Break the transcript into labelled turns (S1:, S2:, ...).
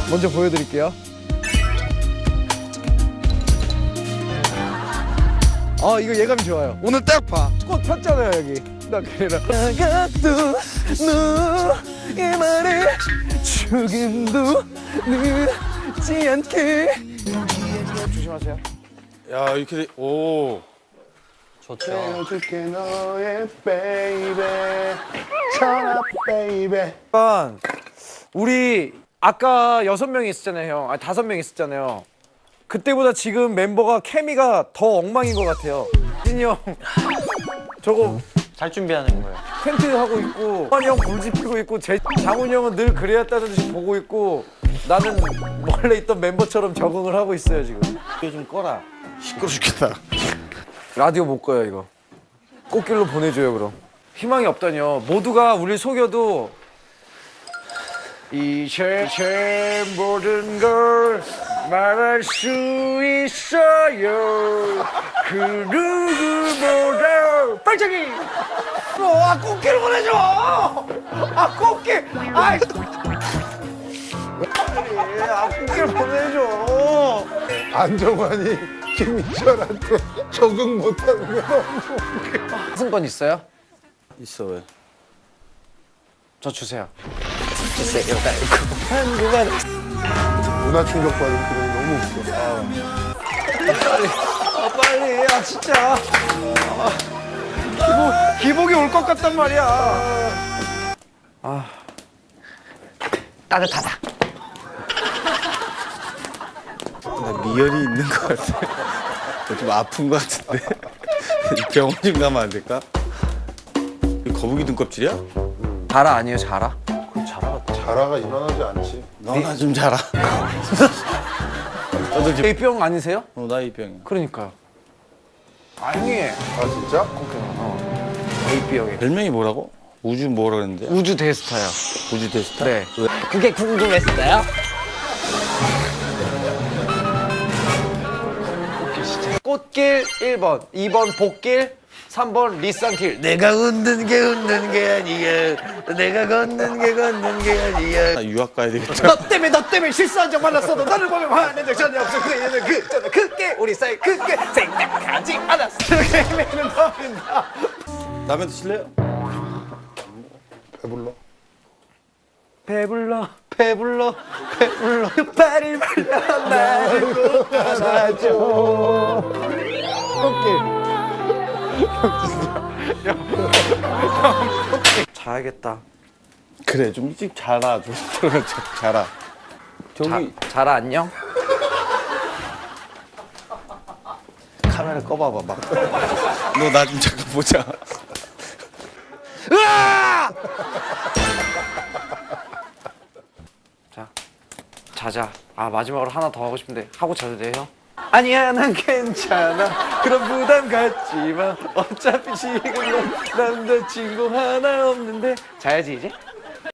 S1: 먼저 보여드릴게요. 아 이거 예감이 좋아요.
S2: 오늘 딱 봐.
S1: 꽃 폈잖아요 여기. 나 그래라. 나가도 너의 말에 조금도 늦지 않게. 조심하세요.
S2: 야 이렇게 오.
S3: 해줄게 너의 베이베 전화 베이베.
S1: 약간 우리 아까 6명이 있었잖아요 형. 아니 5명 있었잖아요. 그때보다 지금 멤버가 케미가 더 엉망인 것 같아요. 진이 형 저거
S4: 잘 준비하는 거예요.
S1: 텐트 하고 있고 환이 형 불 지피고 있고 장훈이 형은 늘 그래왔다는 듯이 보고 있고 나는 원래 있던 멤버처럼 적응을 하고 있어요 지금.
S4: 이거 좀 꺼라.
S3: 시끄러 죽겠다.
S1: 라디오 못 꺼요 이거. 꽃길로 보내줘요 그럼. 희망이 없다뇨. 모두가 우릴 속여도 이제 모든 걸 말할 수 있어요. 그 누구보다 빨짝이. 아 꽃길 보내줘. 아 꽃길. 아이. 아 꽃길 보내줘.
S3: 안정환이 김희철한테 적응 못하는 게 너무 웃겨.
S1: 승권 있어요?
S4: 있어 왜?
S1: 저 주세요.
S3: 문화 충격받은 그런 너무 웃겨.
S1: 빨리 아 진짜 기복이 올 것 같단 말이야. 아 따뜻하다.
S4: 나 미열이 있는 것 같아. 좀 아픈 것 같은데. 병원 좀 가면 안 될까? 이거 거북이 등껍질이야?
S1: 자라 아니에요 자라?
S3: 자라가 일어나지 않지.
S4: 너나 좀 자라. 너도 지금
S1: A병 아니세요?
S4: 나 이 병이야.
S1: 그러니까요. 아니
S3: 아 진짜?
S1: A병이
S4: 별명이 뭐라고? 우주 뭐라 그랬는데?
S1: 우주 대스타요.
S4: 우주 대스타?
S1: 네.
S4: 왜?
S1: 그게 궁금했어요? 꽃길 1번, 2번 복길, 3번 리쌍길. 내가 웃는 게 웃는 게 아니야. 내가 걷는 게 걷는 게 아니야.
S4: 나 유학 가야 되겠다.
S1: 너 때문에 실수한 적 많았어도 너를 보면 화낸 적 전혀 없어. 그래는 그저는 그게 우리 사이 그게 생각하지 않았어. 그게는 너는 나.
S4: 라면 드실래요?
S3: 배불러.
S1: 배불러 배불러 배불러 발을 불러 나를 꼭 안아줘. 꽃길. 자야겠다.
S4: 그래 좀 일찍 자라. 좀 자라. 저기
S1: 자라 안녕.
S4: 카메라 꺼봐봐 막. 너 나 좀 잠깐 보자.
S1: 으아! 자, 자자. 아 마지막으로 하나 더 하고 싶은데 하고 자도 돼요? 아니야 난 괜찮아. 그런 부담 갖지 마. 어차피 지금은 남자친구 하나 없는데. 자야지 이제.